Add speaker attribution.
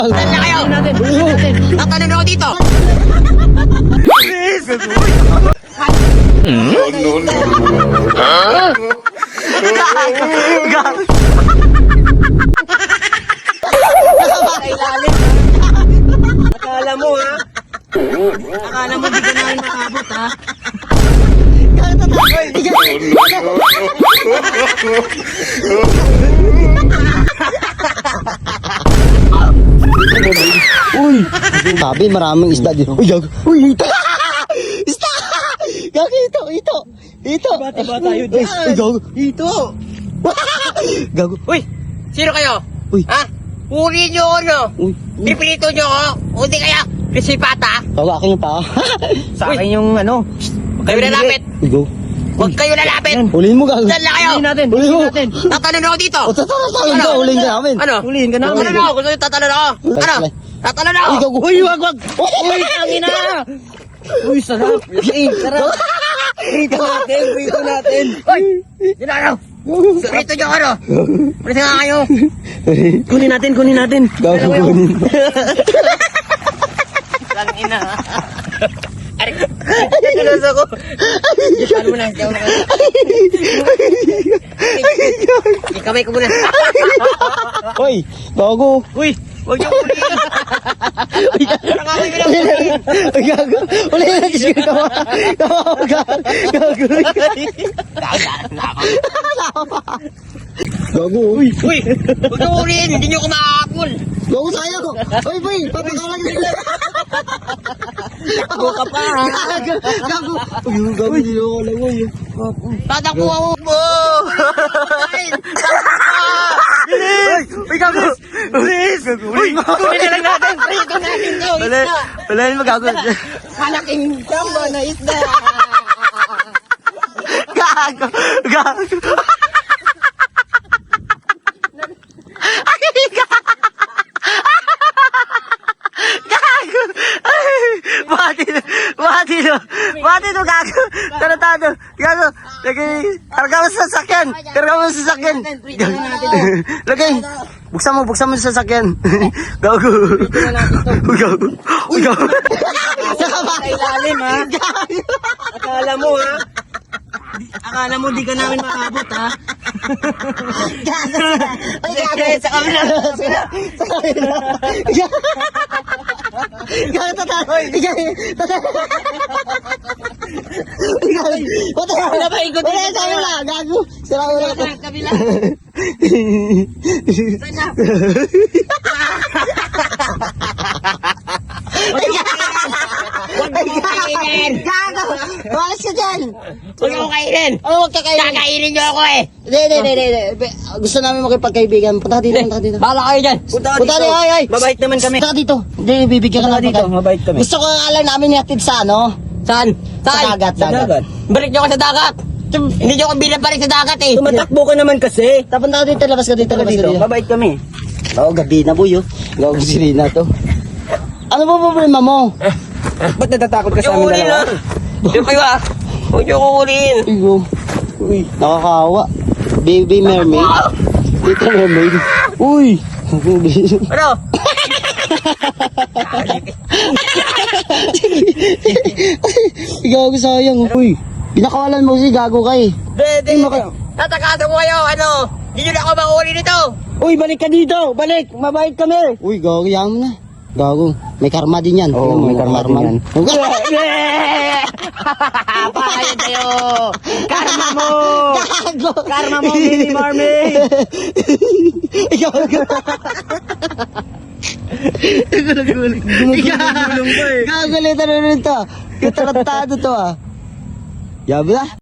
Speaker 1: Saan na kayo? Tatanong ako dito.
Speaker 2: Akala mo ha? Akala mo di ka namin makabot ha?
Speaker 3: Uy! Sabi, maraming isda dito. Uy, gag! Uy, ito! Isda! Gag, ito!
Speaker 2: Diba tayo
Speaker 3: Uy,
Speaker 2: dyan?
Speaker 3: gag!
Speaker 2: Dito!
Speaker 3: Gag!
Speaker 1: Uy, sino kayo?
Speaker 3: Uy.
Speaker 1: Ha? Uli nyo ano?
Speaker 3: Uy!
Speaker 1: Pipilito nyo ako? O di kaya? Pisipata?
Speaker 3: Gag, akin yung paa.
Speaker 2: Sa akin yung ano?
Speaker 1: Huwag kayo lalapit.
Speaker 3: Uy, gag!
Speaker 1: Huwag kayo lalapit.
Speaker 3: Huliin mo, gag!
Speaker 1: Saan na kayo?
Speaker 2: Huliin natin!
Speaker 3: Huliin mo!
Speaker 2: Huliin natin!
Speaker 1: Tatanong ako dito.
Speaker 3: O, tatalon ka! Huliin ka namin!
Speaker 1: Ano?
Speaker 2: Huliin ka namin!
Speaker 1: Tatanong ako. Gusto nyo tatanong ako? Ano? Tatanong ako.
Speaker 3: Uy, gag!
Speaker 2: Uy, wag! Uy, tangina! Uy, sarap! Uy, sarap! Prito natin!
Speaker 1: Uy! Sino ano? Pirito nyo ano? Pwede nga kayo.
Speaker 2: Kunin natin!
Speaker 3: Gag, kunin.
Speaker 1: Lang ina. Aray. Tulos ako. Ano mo na? Ikamay ko muna.
Speaker 3: Uy, gago!
Speaker 1: Uy! Huwag niyo ulihin. Nakakawin ko lang ulihin.
Speaker 3: Uy, gago! Huliin natin siya tawa! Tawa, gag! Gago! Gago! Uy!
Speaker 1: Uy! Huwag niyo ulihin. Hindi niyo kumakapul.
Speaker 3: Gago sayang! Uy, boy! Papakawalan ka lang!
Speaker 2: Buka pa ha!
Speaker 3: Gago! Gago! Uy, gago! Niloko lang mo yun.
Speaker 1: Tatakbo ako mo.
Speaker 3: Uy, gago!
Speaker 2: Please! Uy, kunin na lang natin!
Speaker 1: Prito natin to.
Speaker 3: Wala, wala yun magago.
Speaker 1: Malaking jumbo na isda.
Speaker 3: Gago! Gago! Gago! Bati no, gago! Taratado! Gago! Lagay! Karga mo sa sasakyan! Karga mo sa sasakyan! Lagay! Buksan mo sa sasakyan! Gago! Uy, gago! Uy, gago!
Speaker 2: Sa ilalim ha? Akala mo ha? Akala mo di ka namin makabot ha?
Speaker 3: Ay, gago! Sa kamila! Sa kamila! Gago, tatay! Wala ba ikot? Wala sa kamila! Gago! Sira ulo ko!
Speaker 1: Kabila.
Speaker 3: Gago! Walas ka dyan!
Speaker 1: Huwag ako kainin.
Speaker 3: Oh, huwag ka kayo!
Speaker 1: Kakainin niyo ako eh.
Speaker 3: Hindi. Gusto namin makipagkaibigan. Punta ka dito.
Speaker 1: Bahala kayo dyan.
Speaker 2: Punta
Speaker 3: Punta
Speaker 2: dito!
Speaker 3: dito, ay!
Speaker 2: Mabait naman kami!
Speaker 3: Punta ka dito. Hindi, bibigyan ka
Speaker 2: Punta
Speaker 3: ng
Speaker 2: dito, mabait kami!
Speaker 3: Gusto ko nga lang namin ihatid sa ano?
Speaker 1: Saan?
Speaker 3: Sa dagat.
Speaker 1: Balik niyo ako sa dagat. Hindi niyo ako binabalik sa dagat eh.
Speaker 2: Tumatakbo ka naman kasi!
Speaker 3: Punta ka dito, labas ka dito,
Speaker 2: Punta
Speaker 3: labas ka
Speaker 2: dito,
Speaker 3: dito.
Speaker 2: mabait kami!
Speaker 3: Oo, gabi na boy, oh. Gago si Rina to. Ano ba problema mo?
Speaker 2: Ba't natatakot ka sa
Speaker 1: Yung
Speaker 2: amin
Speaker 1: uli na.
Speaker 2: dalawa?
Speaker 1: Yung kayo ah. Huwag niyo ko ulihin.
Speaker 3: Uy, nakakawa. Baby mermaid. Tita mermaid. Uy!
Speaker 1: Ano?
Speaker 3: Gago sayang. Uy, pinakawalan mo si gago ka eh.
Speaker 1: Hindi. Tatakasan ko kayo. Ano? Hindi niyo na ako mauli nito.
Speaker 2: Uy, balik ka dito! Balik! Mabait kami!
Speaker 3: Uy, gago yan mo na. Gago, may karma din yan.
Speaker 2: Oo,
Speaker 3: Tingnan mo,
Speaker 2: may karma din yan.
Speaker 1: Pakayan kayo.
Speaker 2: Karma mo!
Speaker 3: Gago!
Speaker 2: Karma mo, baby mermaid!
Speaker 3: Gago!
Speaker 2: Gumugulong pa eh!
Speaker 3: Gago, lito na rin to. Yung tarantado to ah. Yabi na.